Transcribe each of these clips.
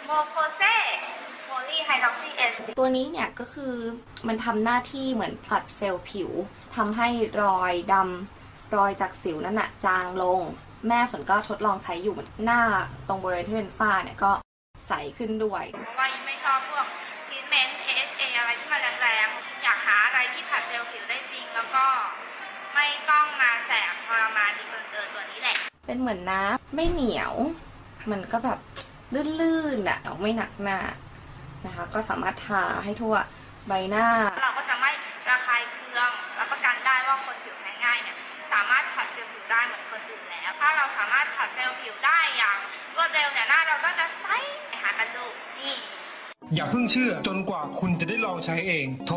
โมโคเซโพลีไฮดรอกซีเอสตัวนี้เนี่ยก็คือมันทำหน้าที่เหมือนผลัดเซลล์ผิวทำให้รอยดำรอยจากสิวนั่นน่ะจางลงแม่ฝนก็ทดลองใช้อยู่หน้าตรงบริเวณที่เป็นฝ้าเนี่ยก็ใสขึ้นด้วยเพราะว่ายิ่งไม่ชอบพวกทรีทเมนต์ AHA อะไรที่มันแรงๆอยากหาอะไรที่ผลัดเซลล์ผิวได้จริงแล้วก็ไม่ต้องมาแสบทรมานดีเกินตัวนี้แหละเป็นเหมือนน้ำไม่เหนียวมันก็แบบลื่นๆอ่ะไม่หนักหน้านะคะก็สามารถทาให้ทั่วใบหน้าเราก็จะไม่ระคายเคืองรับประกันได้ว่าคนผิวแพ้ง่ายเนี่ยสามารถผัดเซลล์ผิวได้เหมือนคนอื่นแล้วถ้าเราสามารถผัดเซลล์ผิวได้อย่างรวดเร็วเนี่ยหน้าเราก็จะใสหากันดูนี่อย่าเพิ่งเชื่อจนกว่าคุณจะได้ลองใช้เองโทร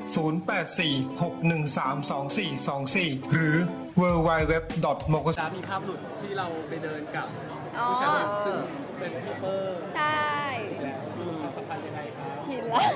0846132424 หรือ www.mokosa มีภาพหลุดที่เราไปเดินกับผู้ชายซึ่งเป็นพี่เปอร์ใช่แล้วความสัมพันธ์ยังไงครับชินแล้ว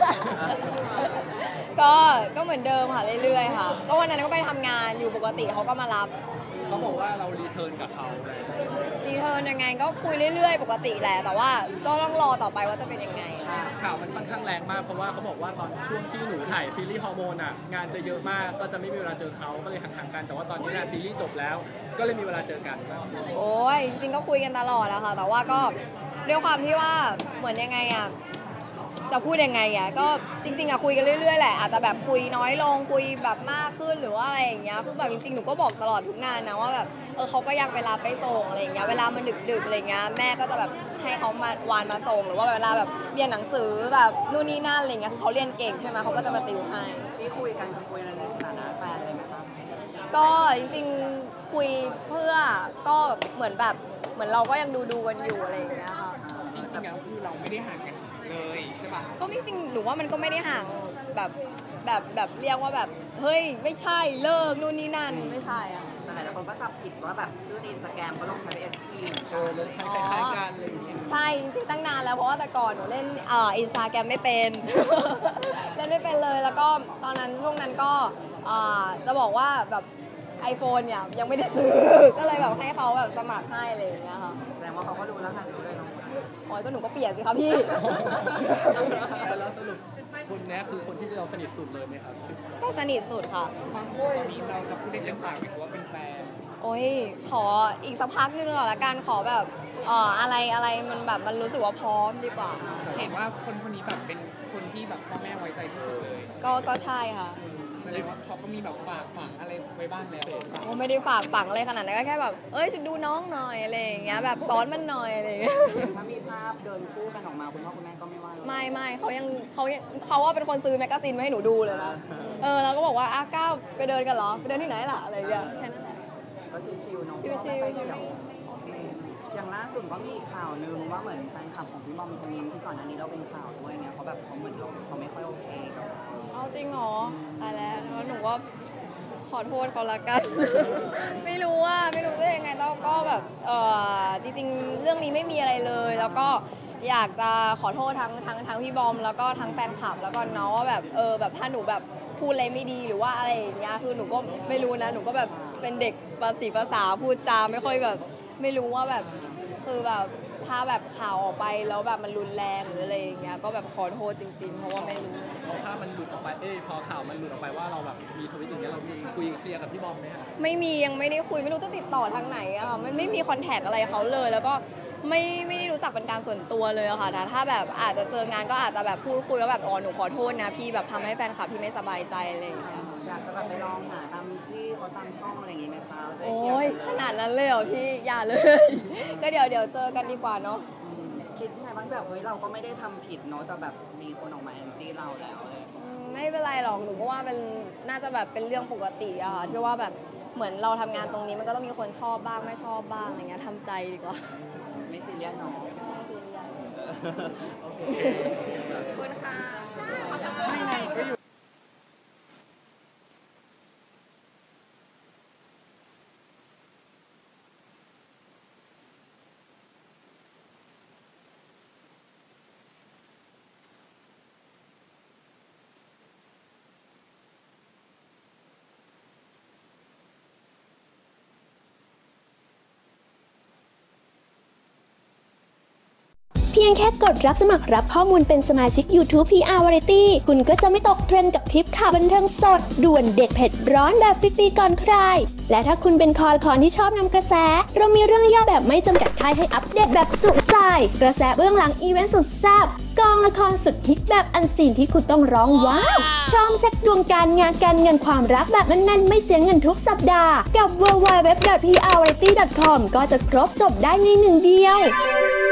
ก็เหมือนเดิมค่ะเรื่อยๆค่ะก็วันนั้นก็ไปทำงานอยู่ปกติเขาก็มารับเขาบอกว่าเรารีเทิร์นกับเขารีเทิร์นยังไงก็คุยเรื่อยๆปกติแหละแต่ว่าก็ต้องรอต่อไปว่าจะเป็นยังไงข่าวมันค่อนข้างแรงมากเพราะว่าเขาบอกว่าตอนช่วงที่หนูถ่ายซีรีส์ฮอร์โมนอ่ะงานจะเยอะมากก็จะไม่มีเวลาเจอเขาก็เลยห่างๆกันแต่ว่าตอนนี้ซีรีส์จบแล้วก็เลยมีเวลาเจอกันโอ้ยจริงๆก็คุยกันตลอดอะค่ะแต่ว่าก็ด้วยความที่ว่าเหมือนยังไงอะจะพูดยังไงอะก็จริงๆอะคุยกันเรื่อยๆแหละอาจจะแบบคุยน้อยลงคุยแบบมากขึ้นหรือว่าอะไรอย่างเงี้ยคือแบบจริงๆหนูก็บอกตลอดทุกงานนะว่าแบบเขาก็ยังเวลาไปส่งอะไรอย่างเงี้ยเวลามันดึกๆอะไรเงี้ยแม่ก็จะแบบให้เขามาวานมาส่งหรือว่าเวลาแบบเรียนหนังสือแบบนู่นนี่นั่นอะไรเงี้ยเขาเรียนเก่งใช่ไหมเขาก็จะมาติวให้ที่คุยกันคุยในสถานะแฟนเลยไหมครับก็จริงๆคุยเพื่อก็เหมือนแบบเหมือนเราก็ยังดูกันอยู่อะไรอย่างเงี้ยค่ะจริงๆแล้วคือเราไม่ได้ห่างกันเลยใช่ป่ะก็จริงๆหนูว่ามันก็ไม่ได้ห่างแบบเรียกว่าแบบเฮ้ยไม่ใช่เลิกนู่นนี่นั่นไม่ใช่อะแต่หลายคนก็จับผิดว่าแบบชื่อในอินสตาแกรมก็ลงท้ายด้วย SP เหมือนกันเลยคล้ายๆกันอะไรอย่างเงี้ยใช่จริงๆตั้งนานแล้วเพราะว่าแต่ก่อนหนูเล่นอินสตาแกรมไม่เป็น เล่นไม่เป็นเลยแล้วก็ตอนนั้นช่วงนั้นก็จะบอกว่าแบบ iPhone เนี่ยยังไม่ได้ซื้อ ก็เลยแบบให้เขาแบบสมัครให้อะไรอย่างเงี้ยค่ะแสดงว่าเขาก็รู้แล้วค่ะรู้เลยน้องอ๋อก็หนูก็เปลี่ยนสิครับพี่แล้วสรุปคนนี้คือคนที่เราสนิทสุดเลยไหมครับก็สนิทสุดค่ะตอนนี้เรากับผู้เล่นเรื่องปากไหมว่าเป็นแฟนโอ้ยขออีกสักพักนึงก่อนละกันขอแบบอะไรมันแบบมันรู้สึกว่าพร้อมดีกว่าเห็นว่าคนนี้แบบเป็นคนที่แบบพ่อแม่ไว้ใจที่สุดเลยก็ใช่ค่ะแสดงว่าเขาก็มีแบบฝากฝังอะไรไว้บ้างแล้วโอ้ไม่ได้ฝากฝังอะไรขนาดนั้นก็แค่แบบฉันดูน้องหน่อยอะไรอย่างเงี้ยแบบซ้อนมันหน่อยอะไรอย่างเงี้ยถ้ามีภาพเดินคู่กันออกมาคุณพ่อคุณแม่ก็ไม่ว่าไม่เขาว่าเป็นคนซื้อแมกกาซีนมาให้หนูดูเลยนะแล้วก็บอกว่าก้าวไปเดินกันเหรอไปเดินที่ไหนล่ะอะไรอย่างเงี้ยแค่นั้นแหละก็ชิวๆเนาะชิวๆอย่างล่าสุดก็มีข่าวนึงว่าเหมือนแฟนคลับของพี่บอมธนินที่ก่อนหน้านี้เราเป็นข่าวด้วยเนี่ยเขาแบบเขาเหมือนเขาไม่ค่อยโอเคกับเอาจริงเหรอตายแล้วหนูว่าขอโทษเขาละกัน ไม่รู้จะยังไงต้องก็แบบจริงๆเรื่องนี้ไม่มีอะไรเลยแล้วก็อยากจะขอโทษทั้งพี่บอมแล้วก็ทั้งแฟนคลับแล้วก็เนาะว่าแบบแบบถ้าหนูแบบพูดอะไรไม่ดีหรือว่าอะไรอย่างเงี้ยคือหนูก็ไม่รู้นะหนูก็แบบเป็นเด็กภาษาพูดจาไม่ค่อยแบบไม่รู้ว่าแบบคือแบบถ้าแบบข่าวออกไปแล้วแบบมันรุนแรงหรืออะไรอย่างเงี้ยก็แบบขอโทษจริงๆเพราะว่าไม่รู้พอภาพมันหลุดออกไปพอข่าวมันหลุดออกไปว่าเราแบบมีทวิตอย่างเงี้ยเรามีคุยเคลียร์กับพี่บอมไหมครับไม่มียังไม่ได้คุยไม่รู้จะติดต่อทางไหนอะค่ะมันไม่มีคอนแทคอะไรเขาเลยแล้วก็ไม่ได้รู้จักเป็นการส่วนตัวเลยอะค่ะแต่ถ้าแบบอาจจะเจองานก็อาจจะแบบพูดคุยว่าแบบหนูขอโทษนะพี่แบบทำให้แฟนคลับพี่ไม่สบายใจอะไรอย่างเงี้ยอยากจะแบบไปลองหาตามที่เขาตามช่องอะไรอย่างงี้ไหมคะโอ้ยขนาดนั้นเลยเหรอพี่อย่าเลย ก็เดี๋ยวเจอกันดีกว่าเนาะคิดยังไงบ้างแบบเฮ้ยเราก็ไม่ได้ทำผิดเนาะแต่แบบมีคนออกมาแอนตี้เราแล้วไม่เป็นไรหรอกหนูก็ว่าเป็นน่าจะแบบเป็นเรื่องปกติอะค่ะที่ว่าแบบเหมือนเราทำงานตรงนี้มันก็ต้องมีคนชอบบ้างไม่ชอบบ้างอะไรเงี้ยทำใจดีกว่าไม่ซีเรียสเนาะโอเคขอบคุณค่ะเพียงยงแค่กดรับสมัครรับข้อมูลเป็นสมาชิก YouTube PR Variety คุณก็จะไม่ตกเทรนด์กับคลิปข่าวบันเทิงสดด่วนเด็ดเผ็ดร้อนแบบฟรีๆก่อนใครและถ้าคุณเป็นคอที่ชอบนำกระแสเรามีเรื่องย่อแบบไม่จำกัดค่ายให้อัปเดตแบบจุใจกระแสเบื้องหลังอีเวนต์สุดแซ่บกองละครสุดฮิตแบบอันซีนที่คุณต้องร้องว้าวพร้อมเช็คดวงการงานการเงินความรักแบบแน่นๆไม่เสียเงินทุกสัปดาห์กับ www.prvariety.com ก็จะครบจบได้ในหนึ่งเดียว